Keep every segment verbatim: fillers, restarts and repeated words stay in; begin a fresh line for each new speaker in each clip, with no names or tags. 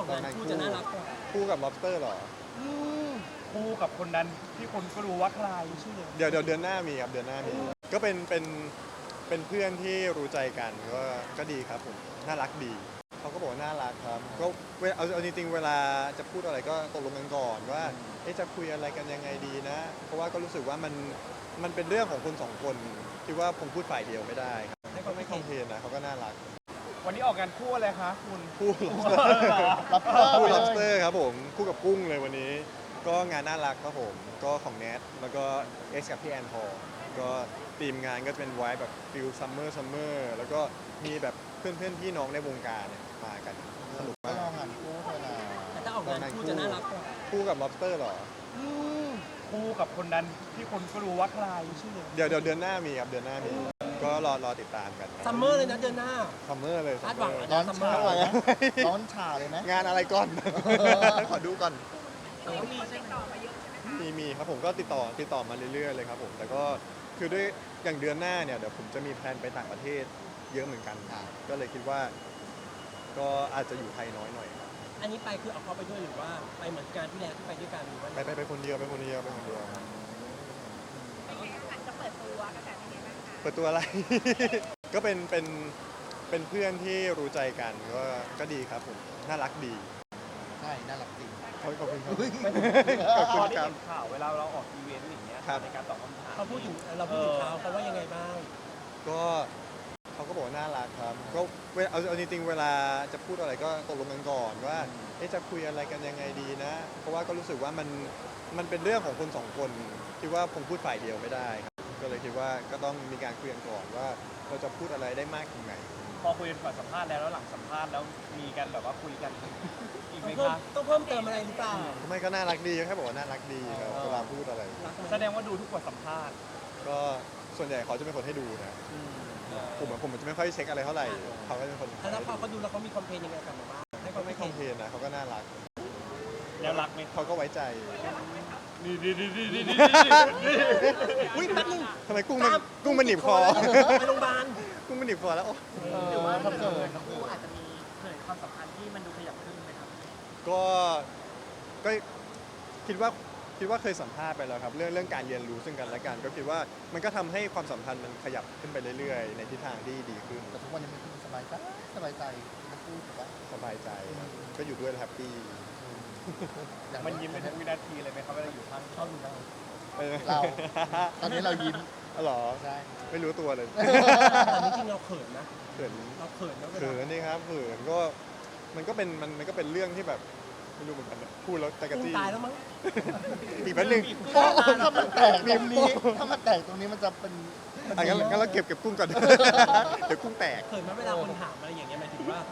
อกงานคู่จะน่ารักกว่า
คู่กับ lobster เหรอ
คู่กับคนนั้นที่คนก็รู้ว่าใคร
ชื่อเลย
เดี๋ยวเดี๋ยวเดือนหน้ามีครับเดือนหน้ามีก็เป็นเป็นเป็นเพื่อนที่รู้ใจกันก็ก็ดีครับผมน่ารักดีเขาก็บอกว่าน่ารักครับก็เวลาเอาเอาจริงๆเวลาจะพูดอะไรก็ตกลงกันก่อนว่าเอ๊ะจะคุยอะไรกันยังไงดีนะ เพราะว่าก็รู้สึกว่ามันมันเป็นเรื่องของคนสองคนคิดว่าผมพูดฝ่ายเดียวไม่ได้ครับให้เขาไม่คอมเพลนนะเขาก็น่ารัก
วันนี้ออกงานคู่อะไรคะคุณ
คู่
lobster
คู่
เลย
lobster ครับผมคู่กับกุ้งเลยวันนี้ ก็งานน่ารักครับผมก็ของแนทแล้วก็เอ็กซ์กับพี่แอนพอลก็ทีมงานก็จะเป็นไว้แบบฟิลซัมเมอร์ซัมเมอร์แล้วก็มีแบบเพื่อนเพื่อนพี่น้องในวงการเนี่ยมากันสนุก
ก็
มาก
ลองหันคู่เธอนะ
แต่ถ้าออกงานคู่จะน่ารักกว่า
คู่กับ lobster เหรอ
คู่กับคนนั้นที่คนก็รู้ว่าใคร
ชื่อเลย
เดี๋ยวเดี๋ยวเดือนหน้ามีครับเดือนหน้ามีก็รอรอติดตามกัน
ซัมเมอร์เลยนะเดือนหน้า
ซัมเมอร์เลย
คาดหวัง
summer
ร้อนฉ่าเลยนะร้อนฉ่าเลยไหม
งานอะไรก่อน ขอดูก่อน
แต่ว่ามีใช่ไหม
มีมีครับผมก็ติดต่อติดต่อมาเรื่อยๆเลยครับผมแต่ก็คือด้วยอย่างเดือนหน้าเนี่ยเดี๋ยวผมจะมีแพลนไปต่างประเทศเยอะเหมือนกันก็เลยคิดว่า ก็อาจจะอยู่ไทยน้อยหน่อยครับ
อันนี้ไปคือเอาเขาไปด้วยหรือว่าไปเหมือนการที่แล้วที่ไปด้วยกันหรือว่า
ไปไปไปคนเดียวไปคนเดียวไปคนเดียวครับ
จะเปิดตัวกระแสเป็นไงบ้างคะ
เปิดตัวอะไร ก็เป็นเป็นเป็นเพื่อนที่รู้ใจกันก็ก็ดีครับผมน่ารักดี
ใช่น่ารักจริง
ขอบขอบคุณครับ
พ
ข
อ
อบคุณ
ได้
ครับ
เห็นข่าวเวลาเราออกอีเวนต์อย่างเงี้ย
ครับ
ในการตอบคำถาม
เขาพูดถึงเราพูดถึงเขาเขาว่ายังไงบ้าง
ก็เขาก็บอกว่าน่ารักครับก็เวลาเอาเอาจริงๆเวลาจะพูดอะไรก็ตกลงกันก่อนว่าเอ๊ะจะคุยอะไรกันยังไงดีนะ เพราะว่าก็รู้สึกว่ามันมันเป็นเรื่องของคนสองคนคิดว่าผมพูดฝ่ายเดียวไม่ได้ครับก็เลยคิดว่าก็ต้องมีการคุยกันก่อนว่าเราจะพูดอะไรได้มากถึงไหน
พอคุยกันก่อนสัมภาษณ์แล้วแล้วหลังสัมภาษณ์แล้วมีกันแบบว่าคุยกันอีกไหม
ต้องเพิ่ม
คะ
ต้องเพิ่มเติมอะไรหรือเปล่า
ทำไมก็น่ารักดีแค่บอกว่าน่ารักดีครับเวลาพูดอะไร
รักไหม
แสดงว่าดูทุกบทสัมภาษณ์
ก็ส่วนใหญ่เขาจะเป็นคนให้ดูนะผมอะผมจะไม่ค่อยเช็คอะไรเท่าไหร่เขาก็จะเป็นคน
แล้วพอเขาดูแล้วเขามีคอมเพลนยังไงกลับมาบ้างให้
เขา
เขา
ไม่
ไม่
คอมเพลนนะเขาก็น่ารัก
แล้วรักไหม
เขาก็ไว้ใจ
ดีดีดีดีดีดี
อุ้ยแป๊บนึง
ทำไมกุ้งมันกุ้งมันหนีบคอ
ไปโรงพยาบาล
กุ้งมันหนีบคอแล้วโอ้
หรือว่าทำเกิน
คู่อาจจะมีเผยความสัมพันธ์ที่มันดูขยับขึ้นไหมครับ
ก็ก็คิดว่าคิดว่าเคยสัมภาษณ์ไปแล้วครับ เรื่องเรื่องการเรียนรู้ซึ่งกันและกัน ก็คิดว่ามันก็ทำให้ความสัมพันธ์มันขยับขึ้นไปเรื่อยๆ ในทิศทางที่ดีขึ้น
แต่ทุกวันนี้มันคือสบายใจสบายใจทั้งคู่ถูกปะ
สบายใจครับก็อยู่ด้วยแล้วแฮปปี้
อย่าง
มันยิ้มเป็นทุกวินาทีเลยไหมครับเวลาอยู่ข้าง
ชอบดูเรา
เออ
เรา ตอนนี้เรายิ้ม
อ๋อเหรอ
ใช่
ไม่รู้ตัวเลย
แต่จริงๆเราเขินนะ
เขิน
เราเขินนะเว
เขิ
ลาน
นี่ครับเขินก็มันก็เป็นมันมันก็เป็นเรื่องที่แบบไม่รู้เหมือนกันนะพูดแล้วใจกระ
กุ้ง
จี้
ตายแล้วมั้ง
อีกแป๊บนึง
โอ้ถ้ามันแตกตรงนี้ ถ้ามันแตกตรงนี้มันจะเป็น
อ่ะงั้นงั้นเราเก็บเก็บกุ้งก่อน เดี๋ยวกุ้งแตก
เขินไหมเวลาคนถามอะไรอย่างเงี้ยหมายถึงว่า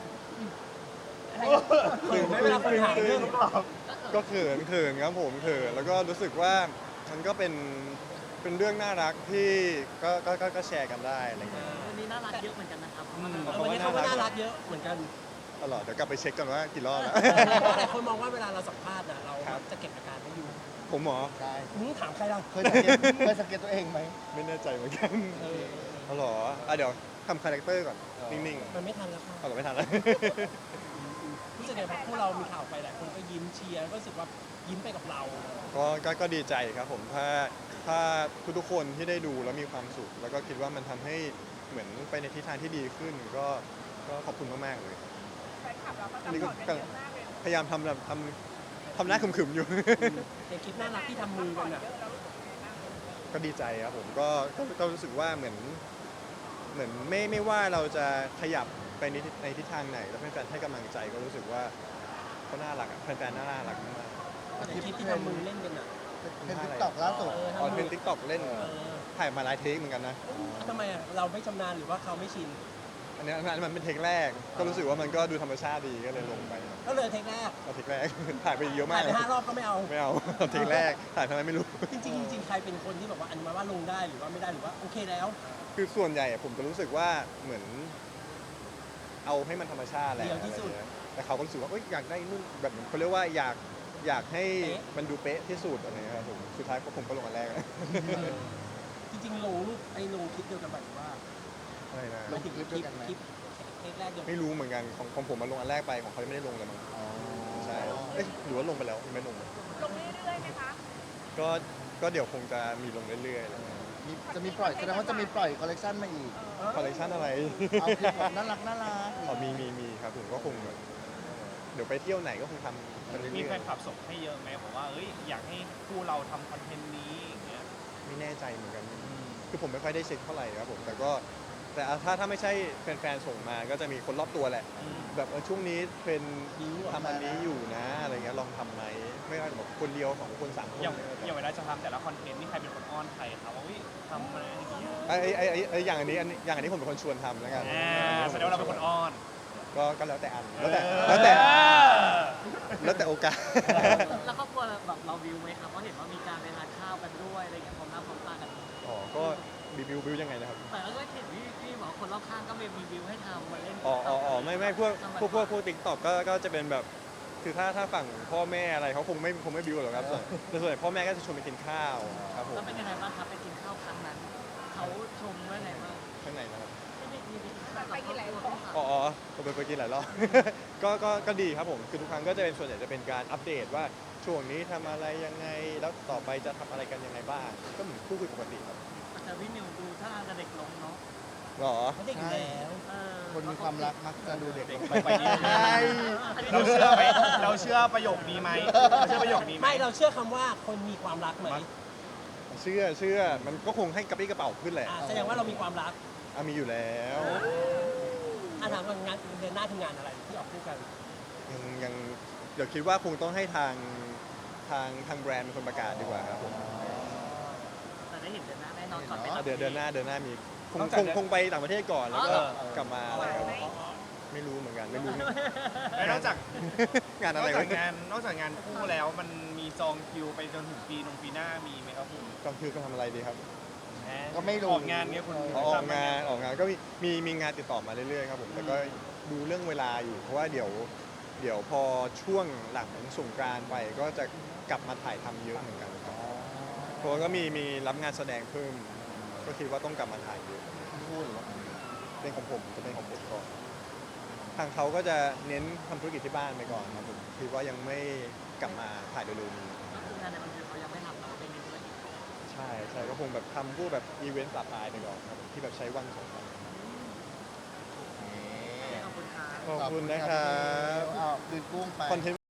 เขินไหมเวลาคนถามเรื่อง
ก็เขินเขินครับผมเขินแล้วก็รู้สึกว่ามันก็เป็นเป็นเรื่องน่ารักที่ก็ก็ก็ก็แชร์กันได้อะไรเงี้ย
วันนี้น่ารักเยอะเหมือนกันนะครับ
เออวันนี้เขาก็น่ารักเยอะเหมือนกัน
ตลอดเดี๋ยวกลับไปเช็คกันว่ากี่รอบแล้ว
หลายคนมองว่าเวลาเราสัมภาษณ์นะเรา
ครับ
จะเก็บอาการไม่อยู่
ผมหมอ
ใช่
มึงถามใครล่ะ
เคยสังเกตเคยสังเกตตัวเองไหม
ไม่แน่ใจเหมือนกัน
เออ
เอาเหรออ่ะเดี๋ยวทำคาแรคเตอร์ก่อน
เออ
นิ่ง
มันไม่ทันแล้วค่ะ
ๆเอาเหรอไม่ทันแล้ว
รู้สึกไงพอพวกเรามีข่าวไปหลายคนก็ยิ้มเชียร์ก็รู้สึกว่ายิ้มไปกับเรา
ก็ก็ก็ดีใจครับผมถ้าถ้าทุกๆคนที่ได้ดูแล้วมีความสุข แล้วก็คิดว่ามันทำให้เหมือนไปในทิศทางที่ดีขึ้น ก็ก็ขอบคุณมากๆเลย
แฟนคลับเราก็
อั
ซั
น
พ
นี้
พ
ก็
อร์ตกันเยอะมากเลย
พยายามทำแบบทำทำหน้าขึมๆอยู่
ในคลิปน่ารักที่ทำมือกันอ่ะ
เยอะเรารู้สึกยังไงบ้าง
ก็ดีใจครับผมก็ก็ก็รู้สึกว่าเหมือนเหมือนไม่ไม่ว่าเราจะขยับไปในทิศในทิศทางไหน แล้วแฟนๆให้กำลังใจก็รู้สึกว่าเขาน่ารักอะแฟนๆน่ารักมาก
ในคลิปที่ทำมือเล่นกันอ่ะ
เป็นติ๊กต็อกล่าสุด
เออ
ๆอ๋อเป็นทิกตอกเล่น
เออ
ถ่ายมาหลายเทคเหมือนกันนะ
ทำไมอ่ะเราไม่ชำนาญหรือว่าเขาไม่ชิน
อันนี้อันนั้นมันเป็นเทคแรก ก็รู้สึกว่ามันก็ดูธรรมชาติดีก็เลยลงไป
ก็เลยเทคแรก
เอาเทคแรก ถ่ายไปเยอะมา
ถ่าก ยไปห้ารอบก็ไม่เอา
ไม่เอาเอาเทคแรกถ่ายทำไมไม่รู้
จริงๆจริงๆใครเป็นคนที่แบบว่าอนุมัติว่าลงได้หรือว่าไม่ได้หรือว่าโอเคแล้ว
คือส่วนใหญ่อะผมจะรู้สึกว่าเหมือน เอาให้มันธรรมชาติแหละ
เดียวที่สุด
อะไรเงี้ยแต่เขาก็รู้สึกว่าเอ้ยอยากได้นู่นแบบเหมือนเขาเรียกว่าอยากอยากให้
เป๊ะ
มันดูเป๊ะที่สุดอะไรเงี้ยครับผมสุดท้ายก็ผมก็ลงอันแรก
เออจริงๆลงรูปไอ้ลงคลิปเดียวกันแบบว่า
อะไรนะ
ลงคลิปด้วยกันไหม
คลิปเทคแรกเดียวกัน
ไม่รู้เหมือนกันของของผมมาลงอันแรกไปของเขายังไม่ได้ลงเลยมั้ง
อ๋อ
เอ๊ะหรือว่าลงไปแล้วยังไม่ลงเลย
ลงเรื่อยๆไหมคะ
ก็ก็เดี๋ยวคงจะมีลงเรื่อยๆแล้ว
มีจะมีปล่อยแสดงว่าจะมีปล่อยคอลเลกชันมาอีก
คอลเลคชันอะไร
เอาคลิปแบบน่ารักน่ารัก
อ๋อมีมีมีครับผมก็คงแบบเดี๋ยวไปเที่ยวไหนก็คงทำกันเรื่
มีแฟ
อย
นคลับส่งให้เยอะไหมบอกว่าเอ้ยอยากให้คู่เราทำคอนเทนต์นี้อย่างเงี้ย
ๆไม่แน่ใจเหมือนกัน คือผมไม่ค่อยได้เช็คเท่าไหร่ครับผมแต่ก็แต่ถ้าถ้าไม่ใช่แฟนๆส่งมาก็จะมีคนรอบตัวแหละ แบบเออช่วงนี้เทรนด์ทำอันนี้อยู่นะอะไรเงี้ยลองทำไหมไม่ว่าจะแบบคนเดียวสองคนสามคน
อย่างอย่างเวลาจะทำแต่ละคอนเทนต์นี่ใครเป็นคนอ้อนใครครับว่าเฮ้ยทำมาอย่างเงี้ย
ไอ้ไอ้ไอ้ไอ้อย่างอันนี้อันนี้อย่างอันนี้ผมเป็นคนชวนทำแล้วกัน
อ่าแสดงว่าเราเป็นคนอ้อน
ก็ก็แล้วแต่อันแล้วแต่แล้วแต่
เออ
แล้วแต่โอกาส
แล้วครอบครัวแบบเราวิวไหมครับเพราะเห็นว่ามีการไปทานข้าวกันด้วยอะไรเงี้ยพร้อมหน้าพร้อมตากัน
อ๋อก็บิวบิวบิวยังไงนะครับ
แต่ก็เห็นพี่พี่บอกคนรอบข้างก็มีรีวิวให้ทำมาเล่น
อ๋ออ๋ออ๋อไม่ไม่พวกพวกพวกพวกติ๊กต็อกก็ก็จะเป็นแบบคือถ้าถ้าฝั่งพ่อแม่อะไรเขาคงไม่คงไม่บิวหรอกครับส่วนแต่ส่วนใหญ่พ่อแม่ก็จะชวนไปกินข้าวครับผม
แล้วเป็นยังไงบ้างครับไปกินข้าวครั้งนั้นเขาชมว่าไงบ้าง
ข้างในนะครับ
ที่มีมีไปกินหลายรอบ
อ๋ออ๋อผมไปไปกินหลายรอบ ก็ก็ก็ดีครับผมคือทุกครั้งก็จะเป็นส่วนใหญ่จะเป็นการอัปเดตว่าช่วงนี้ทำอะไรยังไงแล้วต่อไปจะทำอะไรกันยังไงบ้างก็เหมือนคู่คุยปกติครับ
แต่พี่นิวดูท่าทางจะเด็กลงเนาะ
หรอ
เขาเด็กอยู่แล้ว
เออ
คนมีความรักมักจะดูเด็ก
เด็ก
ลง
ไป
ไป
ไปนี่
ใช่
เราเชื่อไหมเราเชื่อประโยคนี้ไหมเราเชื่อประโยคนี้ไหม
ไม่เราเชื่อคำว่าคนมีความรักไหม
เชื่อเชื่อมันก็คงให้กระปรี้กระเป๋าขึ้นแหละ
อ่าแสดงว่าเรามีความรัก
อ่ะมีอยู่แล้ว
อ่าถามว่างานเดือนหน้าคืองานอะไรที่ออกคู่กัน
ยังยังเดี๋ยวคิดว่าคงต้องให้ทางทางทางแบรนด์เป็นคนประกาศดีกว่าครับผม
แต่ได้เห็นเดือนหน้าแน่นอนก่อนไป
อ่ะ
ต่าง
เดือนเดือนหน้าเดือนหน้ามีคง
นอกจาก
คง
เดือน
คงไปต่างประเทศก่อนแล้วก็
เออ
กลับมา
ไหวไหม
ไม่รู้เหมือนกันไม่รู้
แล้วนอกจาก
งาน
น
อะ
อก
ไร
จาก
วะ
งานนอกจากงานคู่แล้วมันมีจองคิวไปจนถึงปีนงปีหน้ามีไหมครับคุณ
ก็คือก็ทำอะไรดีครับ
ก็ไม่รู้
ออกงานเงี้ยคุณ
ออกงานออกงานก็มีมีมีงานติดต่อมาเรื่อยๆครับผมแต่ก็ดูเรื่องเวลาอยู่ เพราะว่าเดี๋ยวเดี๋ยวพอช่วงหลังสงกรานต์ไปก็จะกลับมาถ่ายทำเยอะเหมือนกันครับเพราะว่าก็มีมีรับงานแสดงเพิ่ม ก็คิดว่าต้องกลับมาถ่ายเยอะ
พูดหรือว่า
เป็นของผมจะเป็นของผมก่อนทางเขาก็จะเน้นทำธุรกิจที่บ้านไปก่อนครับผมคิดว่ายังไม่กลับมาถ่ายเร็วๆนี้
งานในบันเทิงเขายังไม่ทำแต่ว่าเป็นในธุรกิจ
ใช่ใช่ก็คงแบบทำพวกแบบอีเวนต์ปลาปลายไปก่อนครับที่แบบใช้วันสองวัน
ขอบคุณครับ
ขอบคุณนะครับ
อ้าวดืนกุ้งไป
คอนเทนต์